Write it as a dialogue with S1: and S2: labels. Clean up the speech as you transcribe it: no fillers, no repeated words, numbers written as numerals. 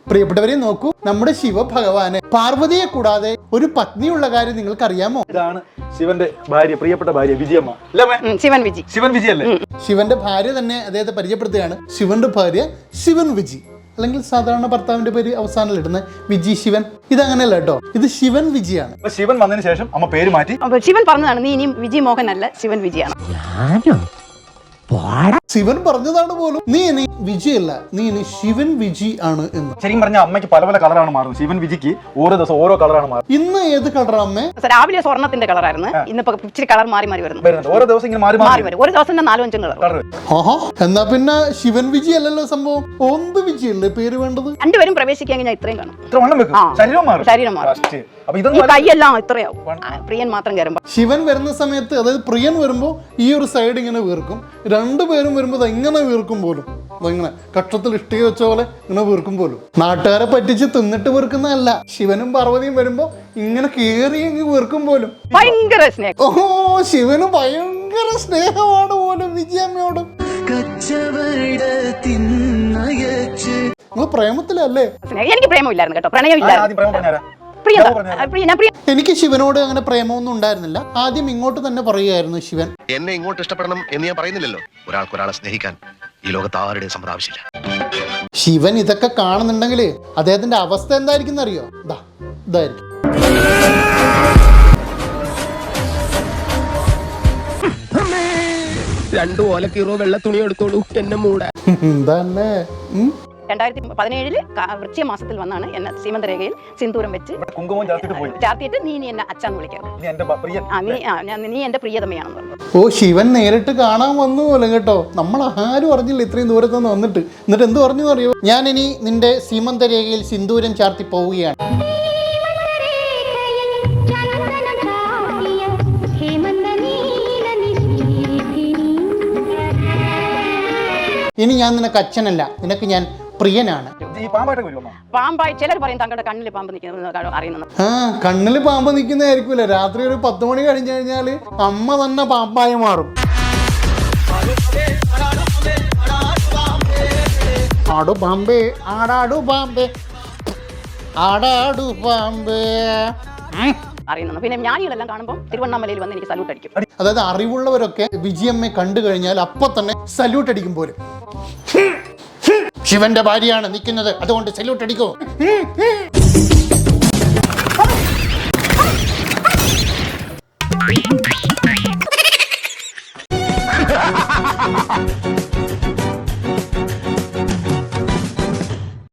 S1: പ്രിയപ്പെട്ടവരെ നോക്കൂ, നമ്മുടെ ശിവഭഗവാന് പാർവതിയെ കൂടാതെ ഒരു പത്നിയുള്ള കാര്യം നിങ്ങൾക്ക് അറിയാമോ?
S2: ഇതാണ് ശിവന്റെ ഭാര്യ, പ്രിയപ്പെട്ട ഭാര്യ വിജയമ്മ. ശിവൻ വിജി അല്ലേ?
S1: ശിവന്റെ ഭാര്യ തന്നെ അദ്ദേഹത്തെ പരിചയപ്പെടുത്തുകയാണ്. ശിവന്റെ ഭാര്യ ശിവൻ വിജി, അല്ലെങ്കിൽ സാധാരണ ഭർത്താവിന്റെ പേര് അവസാനം ഇടുന്ന വിജി ശിവൻ. ഇതങ്ങനെയല്ല കേട്ടോ, ഇത് ശിവൻ വിജിയാണ്.
S2: ശിവൻ വന്നതിന് ശേഷം അമ്മ പേര് മാറ്റി.
S3: ശിവൻ പറഞ്ഞതാണ്, നീ ഇനി വിജി മോഹൻ അല്ല, ശിവൻ വിജിയാണ്.
S1: ശിവൻ പറഞ്ഞതാണ് പോലും, നീ ഇനി വിജയല്ല, നീ ഇനി ശിവൻ വിജി ആണ് എന്ന്.
S2: ശരിക്കും പറഞ്ഞാൽ അമ്മയ്ക്ക് പല പല കളറാണ് മാറുന്നത്. ശിവൻ വിജിക്ക് ഓരോ ദിവസം ഓരോ കളറാണ് മാറുന്നത്.
S1: ഇന്ന് ഏത് കളറാ അമ്മേ?
S3: രാവിലെ സ്വർണ്ണത്തിന്റെ കളറായിരുന്നു, ഇന്നിപ്പോ ഇച്ചിരി കളർ മാറി വരുന്നു.
S2: ഓരോ ദിവസം ഇങ്ങനെ മാറി
S3: വരും. ഒരു ദിവസം 4-5 കളർ.
S1: ആഹാ, എന്നാ പിന്നെ ശിവൻ വിജി അല്ലല്ലോ സംഭവം, ഓന്ത് വിജി അല്ലേ പേര് വേണ്ടത്?
S3: രണ്ടുപേരും പ്രവേശിക്കാൻ ഞാൻ ഇത്രയും കാണും.
S2: ശരീരം മാറും.
S3: കൈയെല്ലാം ഇത്രയാവും. പ്രിയൻ മാത്രം കയറുമ്പോ.
S1: ശിവൻ വരുന്ന സമയത്ത്, അതായത് പ്രിയൻ വരുമ്പോ ഈ ഒരു സൈഡ് ഇങ്ങനെ വീർക്കും, രണ്ടുപേരും വരുമ്പോ എങ്ങനെ വീർക്കും പോലും, ഇങ്ങനെ കക്ഷത്തിൽ ഇഷ്ടിക വെച്ച പോലെ ഇങ്ങനെ വീർക്കും പോലും. നാട്ടുകാരെ പറ്റിച്ച് തിന്നിട്ട് വീർക്കുന്നതല്ല, ശിവനും പാർവതിയും വരുമ്പോ ഇങ്ങനെ കേറി വീർക്കും പോലും.
S3: ഭയങ്കര സ്നേഹം.
S1: ഓ, ശിവന് ഭയങ്കര സ്നേഹമാണ് പോലും വിജയമ്മയോടും. നിങ്ങൾ പ്രേമത്തിലല്ലേ?
S3: എനിക്ക് പ്രേമമില്ലായിരുന്നു കേട്ടോ, പ്രണയമില്ലായിരുന്നു.
S1: എനിക്ക് ശിവനോട് അങ്ങനെ പ്രേമമൊന്നും ഉണ്ടായിരുന്നില്ല. ആദ്യം ഇങ്ങോട്ട് തന്നെ പറയുകയായിരുന്നു ശിവൻ.
S4: എന്നെ ഇങ്ങോട്ട് ഇഷ്ടപ്പെടണം എന്ന് ഞാൻ പറയുന്നില്ലല്ലോ. ഒരാൾക്ക് ഒരാളെ സ്നേഹിക്കാൻ ഈ ലോകത്ത് ആരുടെയും സമ്മതം ആവശ്യമില്ല.
S1: ശിവൻ ഇതൊക്കെ കാണുന്നുണ്ടെങ്കിൽ അദ്ദേഹത്തിന്റെ അവസ്ഥ എന്തായിരിക്കും അറിയോ? ഇതായിരിക്കും.
S5: രണ്ടു ഓലക്കീറോ വെള്ള തുണി എടുത്തോളൂ എന്നെ മൂടാ.
S1: എന്താല്ലേ?
S3: 2017 വൃശ്ചിക മാസത്തിൽ വന്നാണ് എന്നെ സീമന്തരേഖയിൽ സിന്ദൂരം വെച്ച് ചാർത്തിയിട്ട് നീ എന്നെ അച്ഛന്ന് വിളിക്കാം, നീ എന്റെ പ്രിയതമയാണെന്ന് പറഞ്ഞു.
S1: ഓ, ശിവൻ നേരിട്ട് കാണാൻ വന്നു പോലും കേട്ടോ. നമ്മൾ ആരും അറിഞ്ഞില്ല ഇത്രയും ദൂരത്ത് നിന്ന് വന്നിട്ട്. എന്നിട്ട് എന്ത് പറഞ്ഞു അറിയോ? ഞാൻ ഇനി നിന്റെ സീമന്തരേഖയിൽ സിന്ദൂരം ചാർത്തി പോവുകയാണ്. ഇനി ഞാൻ നിനക്ക് അച്ഛനല്ല, നിനക്ക് ഞാൻ പ്രിയനാണ്.
S3: പാമ്പായി ചിലർ പറയും തങ്ങളുടെ കണ്ണിൽ പാമ്പ് നിൽക്കുന്നത് അറിയുന്നത്.
S1: കണ്ണില് പാമ്പ് നിൽക്കുന്നതായിരിക്കൂല. രാത്രി ഒരു 10 മണി കഴിഞ്ഞു കഴിഞ്ഞാല് അമ്മ തന്നെ പാമ്പായി മാറും. ആടു പാമ്പേ, ആടാടു പാമ്പേ, ആടാടു പാമ്പേ
S3: അറിയുന്നത്. പിന്നെ ജ്ഞാനികളെല്ലാം കാണുമ്പോൾ തിരുവണ്ണാമലയിൽ വന്ന് എനിക്ക് സല്യൂട്ട് അടിക്കും.
S1: അതായത് അറിവുള്ളവരൊക്കെ വിജയമ്മയെ കണ്ടു കഴിഞ്ഞാൽ അപ്പൊ തന്നെ സല്യൂട്ട് അടിക്കും പോലും. ശിവന്റെ ഭാര്യയാണ് നിൽക്കുന്നത്, അതുകൊണ്ട് സല്യൂട്ട് അടിക്കോ.